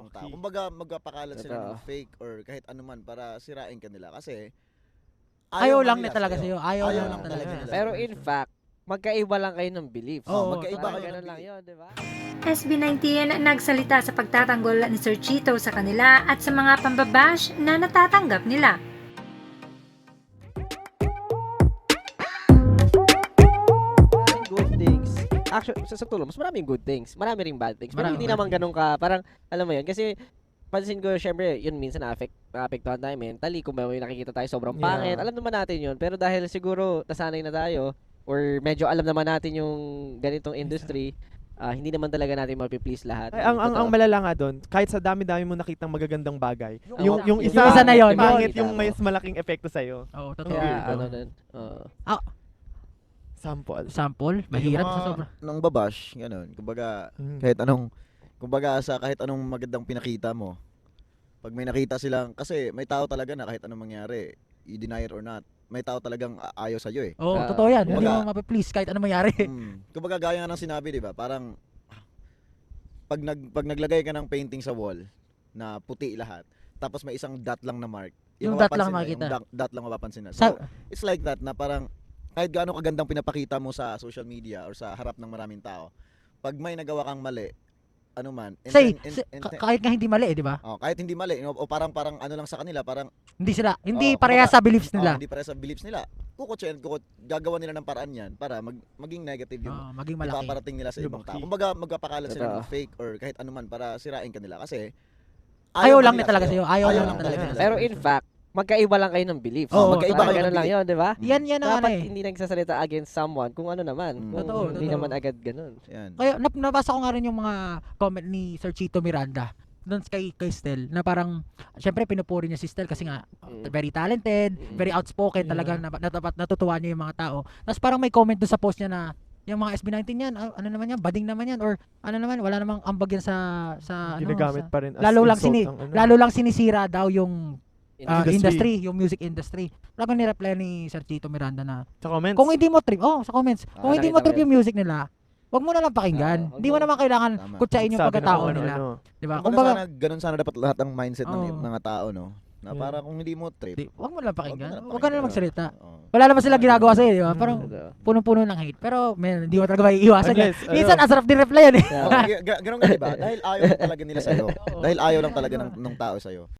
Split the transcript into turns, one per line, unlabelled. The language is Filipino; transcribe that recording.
ibang tao. Kumbaga magpapakalat sila ng fake or kahit anuman para sirain ka nila kasi
ayaw lang na talaga sa'yo. Ayaw lang talaga nila.
Pero in fact, magkaiba lang kayo ng beliefs.
Magkaiba kayo
ganun
ng
lang yun, di ba?
SB19 nagsalita sa pagtatanggol ni Sir Chito sa kanila at sa mga pambabash na natatanggap nila.
Maraming good things. Actually, sa tulong, mas maraming good things. Marami ring bad things. Pero hindi naman ganun ka, parang, alam mo yun, kasi pansin ko, syempre, yun minsan na-apektuhan tayo mentally. Kung may nakikita tayo sobrang pangit, alam naman natin yun. Pero dahil siguro, nasanay na tayo, or medyo alam naman natin yung ganitong industry, hindi naman talaga natin mapiplease lahat.
Ay, ang malala nga doon, kahit sa dami-dami mo nakitang magagandang bagay, yung
isa na yun,
pangit yung may malaking epekto sa'yo.
Oo, totoo.
Kaya, ano nun,
Sample? Mahirap sa sobra.
Nang babash, ganun. Kumbaga, kahit anong magandang pinakita mo, pag may nakita silang, kasi may tao talaga na kahit anong mangyari, you deny it or not, may tao talagang ayaw sa'yo eh.
Oo, totoo yan. Hindi mo mapiplease kahit ano mangyari.
Kumbaga gaya nga ng sinabi, di ba? Parang, pag naglagay ka ng painting sa wall, na puti lahat, tapos may isang dot lang na mark,
Yung dot lang makikita.
Yung dot lang mapapansin na. So, it's like that na parang, kahit gaano kagandang pinapakita mo sa social media or sa harap ng maraming tao, pag may nagawa kang mali, ano man,
kahit nga hindi mali, di ba?
kahit hindi mali, o parang ano lang sa kanila, parang
hindi pareha sa beliefs nila.
hindi pareha sa beliefs nila. Gagawa nila ng paraan yan para maging negative yung
maging malaki.
ipaparating nila sa ibang tao. Kumbaga magpapakalat sila ng fake or kahit anuman para sirain ka nila kasi
ayaw lang na talaga sa'yo. Ayaw lang talaga nila.
Pero in fact, magkaiba lang kayo ng beliefs.
Magkaiba kayo
ganun lang yun, di ba?
Yan ang
dapat hindi nagsasalita against someone kung ano naman.
Totoo.
Hindi naman agad ganun.
Yan.
Kaya nabasa ko nga rin yung mga comment ni Sir Chito Miranda doon kay Stel na parang syempre pinupuri niya si Stel kasi nga very talented, very outspoken talaga natutuwa niya yung mga tao. Tapos parang may comment doon sa post niya na yung mga SB19 yan, ano naman yan, bading naman yan or ano naman, wala namang ambag yan sa
ginagamit pa rin as
lalo lang sinisira daw yung industry, yung music industry. Wala kang ni-reply ni Sir Chito Miranda na
sa comments.
Kung hindi mo trip, sa comments. Kung hindi mo trip yung music nila, wag mo na lang pakinggan. Hindi mo naman kailangan kutsain yung pagkatao nila. Di ba?
Kumbaga ganun sana dapat lahat ng mindset ng mga tao, no? Na para kung hindi mo trip,
wag mo na lang pakinggan. Wag ka na lang magsalita. Wala naman sila ginagawa sa'yo, di ba? Parang punong-puno ng hate. Pero hindi mo talaga maiiwasan yan. Minsan, asarap din reply yan eh.
Ganun nga, di ba? Dahil ayaw lang talaga nila sa'yo. Dahil ayaw lang talaga ng tao sa'yo.